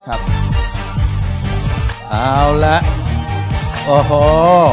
ครับเอาละโอ้โห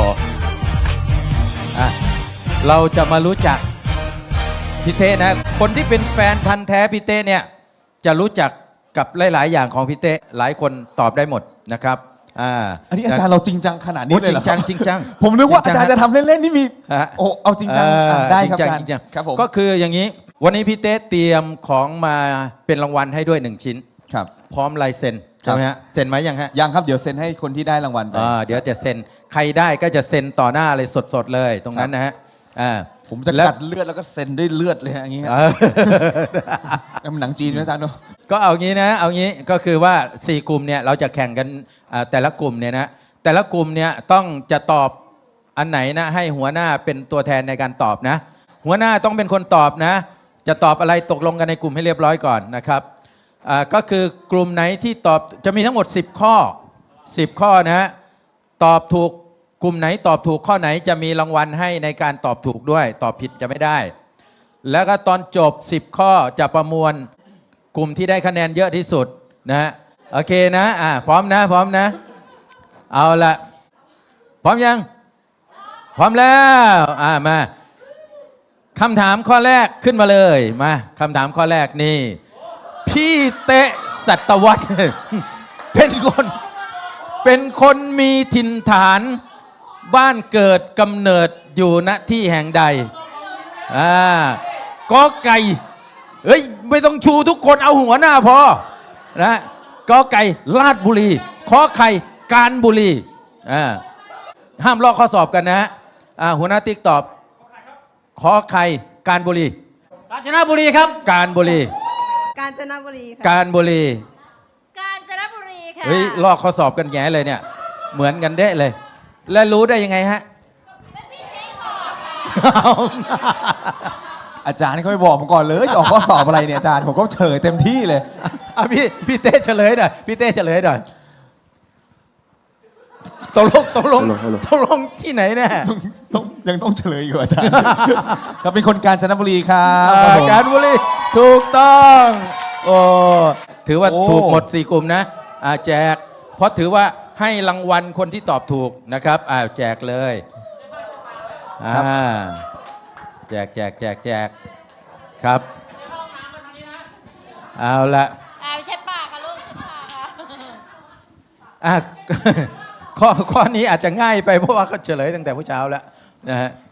อ่ะเราจะมารู้จักพี่เต้นะคนที่เป็นแฟนพันธ์แท้พี่เต้เนี่ยจะรู้จักกับหลายๆอย่างของพี่เต้หลายคนตอบได้หมดนะครับอันนี้อาจารย์เราจริงจังขนาดนี้เลยเหรอครับจริงจังผมนึกว่าอาจารย์จะทำเล่นๆนี่มีโอ้เอาจริงจังได้ครับอาจารย์ครับผมก็คืออย่างนี้วันนี้พี่เต้เตรียมของมาเป็นรางวัลให้ด้วย1ชิ้นครับพร้อมลายเซ็นใช่ไหมฮะเซ็นไหมยังฮะยังครับเดี๋ยวเซ็นให้คนที่ได้รางวัลไปเดี๋ยวจะเซ็นใครได้ก็จะเซ็นต่อหน้าเลยสดๆเลยตรงนั้นนะฮะผมจะกัดเลือดแล้วก็เซ็นด้วยเลือดเลยอย่างนี้มันหนังจีนนะอาจารย์เนาะก็เอางี้นะเอางี้ก็คือว่า4กลุ่มเนี่ยเราจะแข่งกันแต่ละกลุ่มเนี่ยนะแต่ละกลุ่มเนี่ยต้องจะตอบอันไหนนะให้หัวหน้าเป็นตัวแทนในการตอบนะหัวหน้าต้องเป็นคนตอบนะจะตอบอะไรตกลงกันในกลุ่มให้เรียบร้อยก่อนนะครับก็คือกลุ่มไหนที่ตอบจะมีทั้งหมด10ข้อนะฮะตอบถูกกลุ่มไหนตอบถูกข้อไหนจะมีรางวัลให้ในการตอบถูกด้วยตอบผิดจะไม่ได้แล้วก็ตอนจบ10ข้อจะประมวลกลุ่มที่ได้คะแนนเยอะที่สุดนะฮะโอเคนะพร้อมนะเอาละพร้อมยังพร้อมแล้วมาคำถามข้อแรกขึ้นมาเลยมาคำถามข้อแรกนี่พี่เตะสัตวัฒน์ เป็นคนมีถิ่นฐานบ้านเกิดกำเนิดอยู่ณที่แห่งใดกอไก่เฮ้ยไม่ต้องชูทุกคนเอาหัวหน้าพอนะกอไก่ราชบุรีขอไข่กาญบุรีห้ามลอกข้อสอบกันนะหัวหน้าติ๊กตอบขอไข่กาญบุรีกาญจนบุรีครับกาญบุรีกาญจนบุรีค่ะกาญบุรีกาญจนบุรีค่ะเฮ้ยลอกข้อสอบกันแง่เลยเนี่ยเหมือนกันเด้เลย แล้วรู้ได้ยังไงฮะอาจารย์เขาไม่บอกผมก่อนเลยจะออกข้อสอบอะไรเนี่ยอาจารย์ผมก็เฉยเต็มที่เลยพี่เต้เฉลยหน่อยพี่เต้เฉลยหน่อยตกลงที่ไหนแน่ยังต้องเฉลยอยู่อาจารย์เขาเป็นคนกาญจนบุรีครับกาญบุรีถูกต้องโอ้ถือว่าถูกหมด4กลุ่มนะแจกเพราะถือว่าให้รางวัลคนที่ตอบถูกนะครับแจกเลยแจกครับเอาละเช็ดปากค่ะลูกเช็ดปากค่ะข้อนี้อาจจะง่ายไปเพราะว่าเขาเฉลยตั้งแต่เมื่อเช้าแล้วนะฮะ